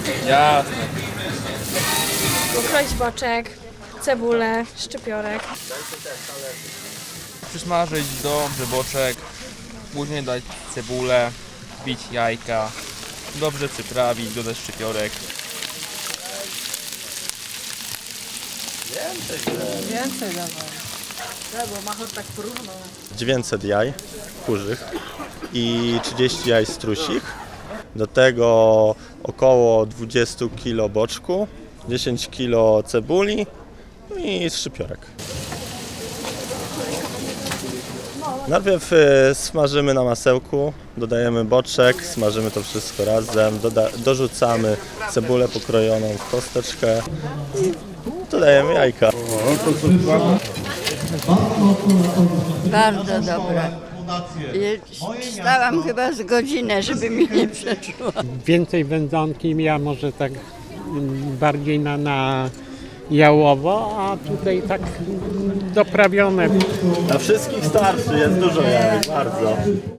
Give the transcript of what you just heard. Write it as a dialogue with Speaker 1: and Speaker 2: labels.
Speaker 1: Jasne.
Speaker 2: Ukroić boczek, cebulę, szczypiorek.
Speaker 1: Przysmażyć dobrze boczek, później dać cebulę, wbić jajka, dobrze przyprawić, dodać szczypiorek.
Speaker 3: Więcej dawaj. Bo Machor tak porówno.
Speaker 4: 900 jaj kurzych i 30 jaj strusich. Do tego około 20 kg boczku, 10 kg cebuli i szczypiorek. Najpierw smażymy na masełku, dodajemy boczek, smażymy to wszystko razem, dorzucamy cebulę pokrojoną w kosteczkę i dodajemy jajka.
Speaker 5: Bardzo dobre. Stałam chyba z godzinę, żeby mi nie przeszło.
Speaker 6: Więcej wędzonki, ja może tak bardziej na jałowo, a tutaj tak doprawione.
Speaker 4: Na wszystkich starszy, jest dużo jajek, bardzo.